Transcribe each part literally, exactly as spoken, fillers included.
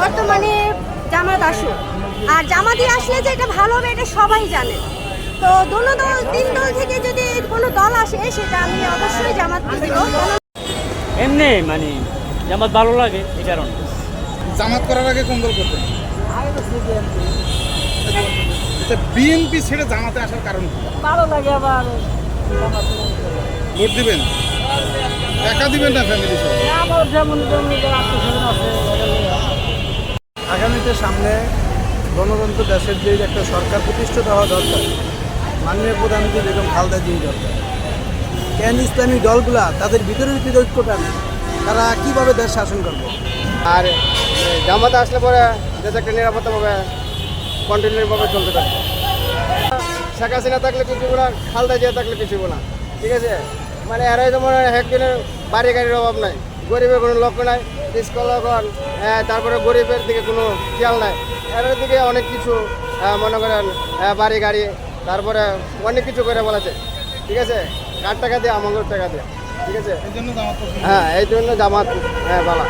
বর্তমানে জামাত আসুক, আর জামাতি আসলে যে এটা ভালো হবে এটা সবাই জানে। তো দোনো দল তিন দল থেকে যদি কোনো দল আসে সেটা আমি অবশ্যই জামাতকে দিব। এমনি মানে জামাত ভালো লাগে এই কারণে। জামাত করার আগে কোন দল করতেন? বিএনপি ছেড়ে জামাতে আসার কারণ কি? ভালো লাগে আবার ভোট দিবেন? একা দিবেন না ফ্যামিলি সহ? আগামীতে সামনে গণতন্ত্র দেশের যে একটা সরকার প্রতিষ্ঠিত হওয়া দরকার, মাননীয় প্রধানমন্ত্রী বেগম খালেদা জিয়া দরকার। কেন ইসলামী দলগুলা তাদের ভিতরে ভিতরে ঐক্যটা নেই, তারা কীভাবে দেশ শাসন করবে? আর জামাতে আসলে পরে দেশ একটা নিরাপত্তাভাবে কন্টিনিউভাবে চলতে থাকবে। শেখ হাসিনা থাকলে কিছু না, খালেদা জিয়া থাকলে কিছু না, ঠিক আছে। মানে এরাই তো মনে হয় একদিনের বাড়ি গাড়ির অভাব নাই, গরিবের কোনো লক্ষ্য নাই, স্কলগণ, তারপরে গরিবের দিকে কোনো খেয়াল নাই। এর দিকে অনেক কিছু মনে করেন বাড়ি গাড়ি, তারপরে অনেক কিছু করে বলেছে, ঠিক আছে। কার টাকা দিয়ে আমাদের টাকা দিয়ে, ঠিক আছে। হ্যাঁ, এই জন্য জামাত হ্যাঁ বালা।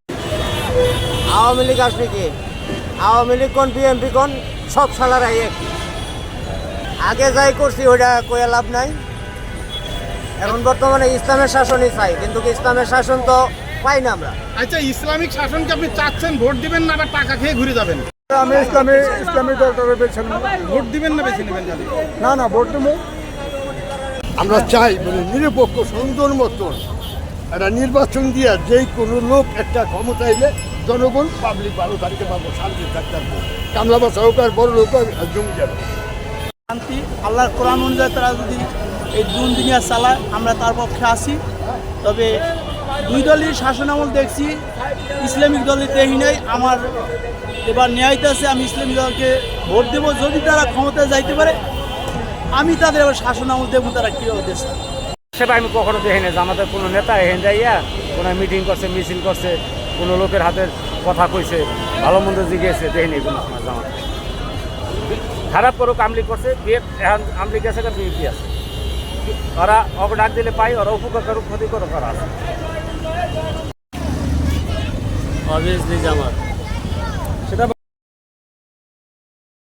আওয়ামী লীগ আসবে কি? আওয়ামী লীগ কোন বিএনপি কোন সব সালারাই এক। আগে যাই করছি ওইটা কয়ে লাভ নাই। এখন বর্তমানে ইসলামের শাসনই চাই, কিন্তু ইসলামের শাসন তো পাই না আমরা। আচ্ছা, ইসলামিক শাসনকে আপনি চাচ্ছেন, ভোট দিবেন না আবার টাকা খেয়ে ঘুরে যাবেন? আমি ইসলামী ইসলামী দলটাকে বেছে নেব। ভোট দিবেন না বেছে নেবেন? জানি না না ভোট দেবো। আমরা চাই মানে নিরপেক্ষ সুন্দর মতন একটা নির্বাচন দিয়ে যেই কোনো লোক একটা ক্ষমতা এলে জনগণ পাবলিক ভালো থাকতে পারবো, শান্তি থাকতে পারবো। কামলা বা সহকার বড় লোক জমি যাবে শান্তি আল্লাহর কোরআন অনুযায়ী তারা যদি এই দুন দুনিয়া চালায় আমরা তার পক্ষে আসি। তবে দুই দলের শাসন আমল দেখছি, ইসলামিক দলের দেখি নাই। আমার এবার ন্যায়তে আছে, আমি ইসলামিক দলকে ভোট দেবো। যদি তারা ক্ষমতায় যাইতে পারে আমি তাদের আবার শাসন আমল দেবো, তারা কীভাবে দেশ। সেটা আমি কখনো দেখি না যে আমাদের কোনো নেতা এখানে যাইয়া কোনো মিটিং করছে, মিছিল করছে, কোনো লোকের হাতের কথা কইছে, ভালো মন্দ জিগিয়েছে, দেখিনি কোনো সময় জামাত। খারাপ করুক আমলি করছে, বিয়ে এখন আমলি গেছে বিএনপি আছে, ওরা অব ডাক দিলে পাই, ওরা উপকার করুক ক্ষতি করুক, করা আছে। অবভিয়াসলি জামাত।